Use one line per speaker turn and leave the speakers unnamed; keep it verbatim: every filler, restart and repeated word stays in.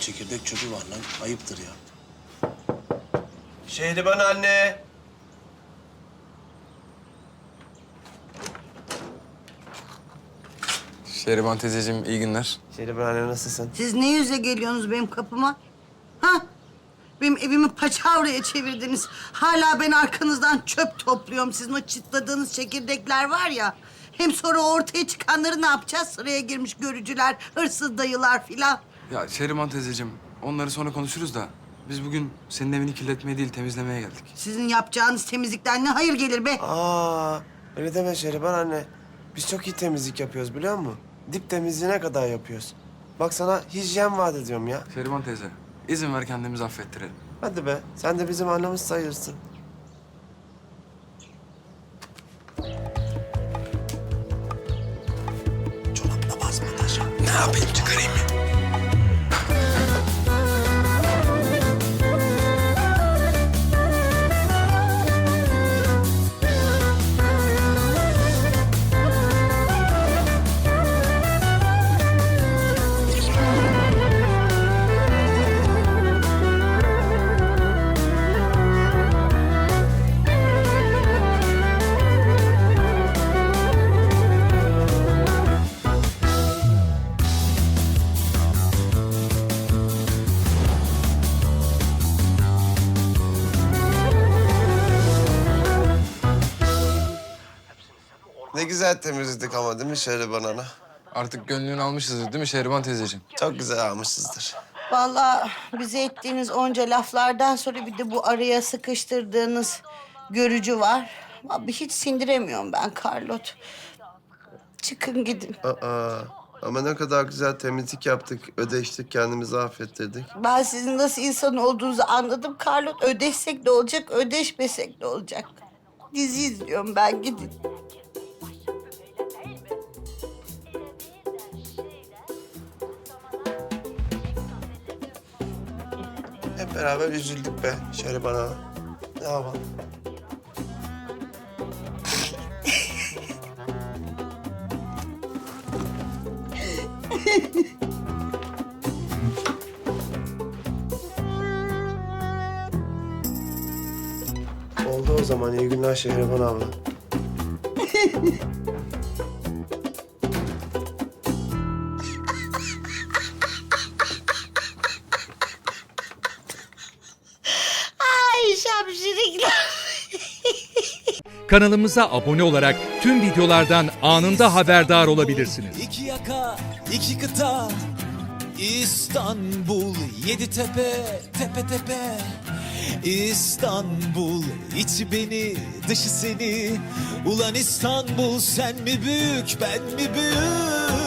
çekirdek çöpü var lan. Ayıptır ya.
Şehriban anne.
Şehriban teyzeciğim iyi günler.
Şehriban anne nasılsın?
Siz ne yüze geliyorsunuz benim kapıma? Ha? Benim evimi paçavraya çevirdiniz. Hala ben arkanızdan çöp topluyorum. Sizin o çıtladığınız çekirdekler var ya. Hem sonra ortaya çıkanları ne yapacağız? Sıraya girmiş görücüler, hırsız dayılar filan.
Ya Şehriban teyzeciğim onları sonra konuşuruz da biz bugün senin evini kirletmeye değil temizlemeye geldik.
Sizin yapacağınız temizlikten ne hayır gelir be?
Aa, öyle deme Şehriban anne. Biz çok iyi temizlik yapıyoruz biliyor musun? Dip temizliğine kadar yapıyoruz. Bak sana hijyen vaat ediyorum ya.
Şehriban teyze izin ver kendimizi affettirelim.
Hadi be, sen de bizim annemiz sayılırsın.
Çorapla basma taşa. Ne yapayım çıkarayım mı?
Ne güzel temizledik ama değil mi Şehriban ana?
Artık gönlünü almışızdır değil mi Şehriban teyzeciğim?
Çok güzel almışızdır.
Vallahi bize ettiğiniz onca laflardan sonra bir de bu araya sıkıştırdığınız görücü var. Abi hiç sindiremiyorum ben Carlot. Çıkın gidin.
Aa, ama ne kadar güzel temizlik yaptık, ödeştik, kendimizi affettirdik.
Ben sizin nasıl insan olduğunuzu anladım Carlot. Ödeşsek de olacak, ödeşmesek de olacak. Dizi izliyorum ben, gidin.
Hep beraber üzüldük be Şehriban ana. Ne yapalım? Oldu o zaman. İyi günler Şehriban abla.
Ay şapşirikler.
Kanalımıza abone olarak tüm videolardan anında haberdar olabilirsiniz.
İki yaka, iki kıta, İstanbul, yedi tepe, tepe tepe. İstanbul, içi beni, dışı seni. Ulan İstanbul, sen mi büyük, ben mi büyük?